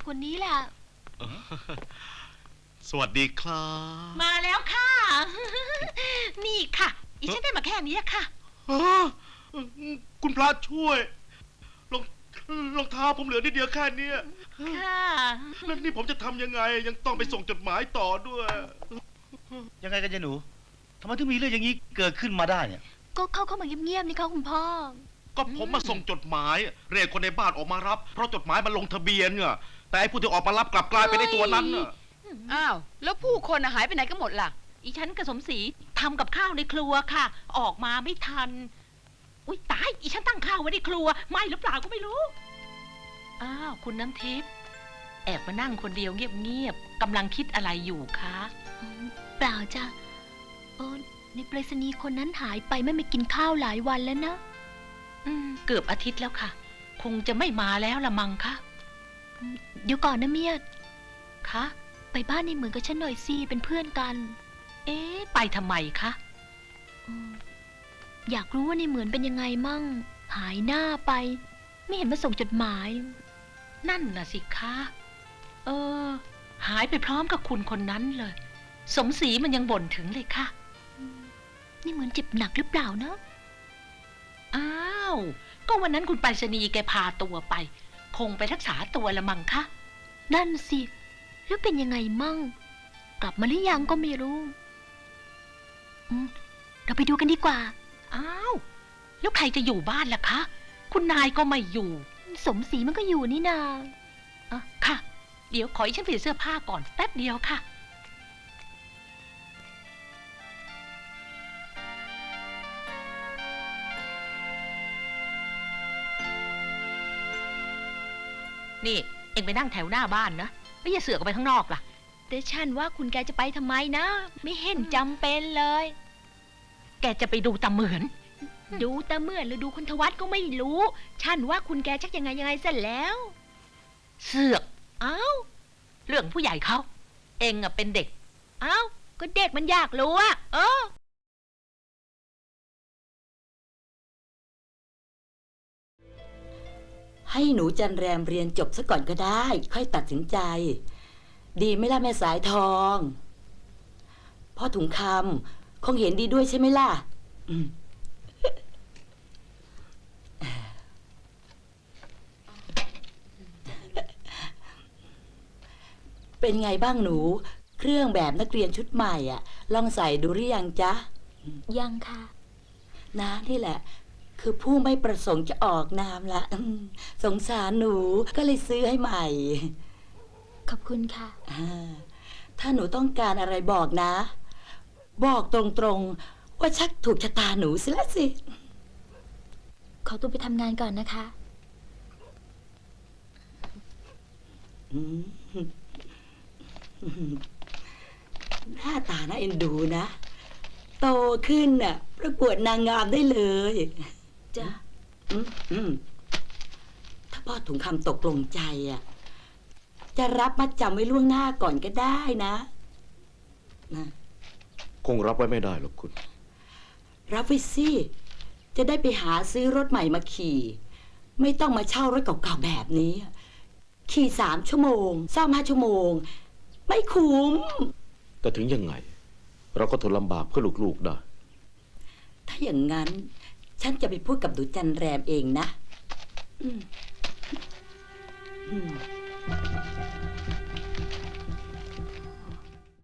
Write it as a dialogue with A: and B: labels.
A: คนนี้แหละ
B: สวัสดีครับ
C: มาแล้วค่ะ นี่ค่ะอีฉันได้มาแค่นี้ค่ะ
B: คุณพระช่วยรองเท้าผมเหลือนิดเดียวแค่นี้
C: ค่ะ
B: แล้วนี่ผมจะทำยังไงยังต้องไปส่งจดหมายต่อด้วย
D: ยังไงกันยายหนูทำไมถึงมีเรื่องอย่างนี้เกิดขึ้นมาได้เนี่ย
A: ก็เข้ามาเงียบๆนี่ค่ะคุณพ่อ
B: ก็ผมมาส่งจดหมายเรียกคนในบ้านออกมารับเพราะจดหมายมันลงทะเบียนเนี่ยแต่ไอ้ผู้ที่ออกมารับกลับกลายเป็นไอ้ตัวนั้นน่ะ
E: อ้าวแล้วผู้คนหายไปไหนกันหมดล่ะ
C: อีฉันกับสมศรีทำกับข้าวในครัวค่ะ ออกมาไม่ทันอุ้ยตายอีฉันตั้งข้าวไว้ในครัวไหม้หรือเปล่าก็ไม่รู้อ้าวคุณน้ำทิพย์แอบมานั่งคนเดียวเงียบๆกำลังคิดอะไรอยู่คะ
A: เปล่าจ้ะในไปรษณีย์คนนั้นหายไปไม่กินข้าวหลายวันแล้วนะ
C: เกือบอาทิตย์แล้วค่ะคงจะไม่มาแล้วละมังคะ
A: เดี๋ยวก่อนนะเมีย
C: คะ
A: ไปบ้านในเหมือนกับฉันหน่อยสิเป็นเพื่อนกัน
C: ไปทำไมคะ
A: อยากรู้ว่าในเหมือนเป็นยังไงมั่งหายหน้าไปไม่เห็นมาส่งจดหมาย
C: นั่นน่ะสิคะหายไปพร้อมกับคุณคนนั้นเลยสมศรีมันยังบ่นถึงเลยค่ะ
A: นี่เหมือนเจ็บหนักหรือเปล่านะ
C: อ้าวก็วันนั้นคุณไปรษณีย์แกพาตัวไปคงไปรักษาตัวละมังคะ
A: นั่นสิแล้วเป็นยังไงมั่งกลับมาหรือยังก็ไม่รู้เราไปดูกันดีกว่า
C: อ้าวแล้วใครจะอยู่บ้านล่ะคะคุณนายก็ไม่อยู่
A: สมศรีมันก็อยู่นี่นา
C: ค่ะเดี๋ยวขอฉันเปลี่ยนเสื้อผ้าก่อนแป๊บเดียวค่ะนี่เอ็งไปนั่งแถวหน้าบ้านนะไม่อย่าเสือกออกไปข้างนอกล่ะ
A: แต่ฉันว่าคุณแกจะไปทำไมนะไม่เห็นจำเป็นเลย
C: แกจะไปดูตาเหมือน
A: ดูตาเหมือนหรือดูคุณทวัฒน์ก็ไม่รู้ฉันว่าคุณแกชักยังไงเสร็จแล้ว
C: เสือกเรื่องผู้ใหญ่เขาเอ็งอะเป็นเด็ก
A: ก็เด็กมันอยากรู้อะ
F: ให้หนูจันแรมเรียนจบซะก่อนก็ได้ค่อยตัดสินใจดีไหมล่ะแม่สายทองพ่อถุงคำคงเห็นดีด้วยใช่ไหมล่ะเป็นไงบ้างหนูเครื่องแบบนักเรียนชุดใหม่อ่ะลองใส่ดูหรือยังจ๊ะ
A: ยังค่ะ
F: นะนี่แหละคือผู้ไม่ประสงค์จะออกนามละสงสารหนูก็เลยซื้อให้ใหม่
A: ขอบคุณค่ะ
F: ถ้าหนูต้องการอะไรบอกนะบอกตรงๆว่าชักถูกชะตาหนูสิละสิ
A: ขอตัวไปทำงานก่อนนะคะ
F: หน้าตาน่าเอ็นดูนะโตขึ้นน่ะประกวดนางงามได้เลย
A: จ้ะ
F: ถ้าพ่อถุงคำตกลงใจอ่ะจะรับมัดจำไว้ล่วงหน้าก่อนก็ได้นะ
B: คงรับไว้ไม่ได้หรอกคุณ
F: รับไว้สิจะได้ไปหาซื้อรถใหม่มาขี่ไม่ต้องมาเช่ารถเก่าๆแบบนี้ขี่3 ชั่วโมงซ่อม5 ชั่วโมงไม่คุ้ม
B: แต่ถึงยังไงเราก็ทนลำบากเพื่อลูกๆได้
F: ถ้าอย่างนั้นฉันจะไปพูดกับดูจันแรมเองนะ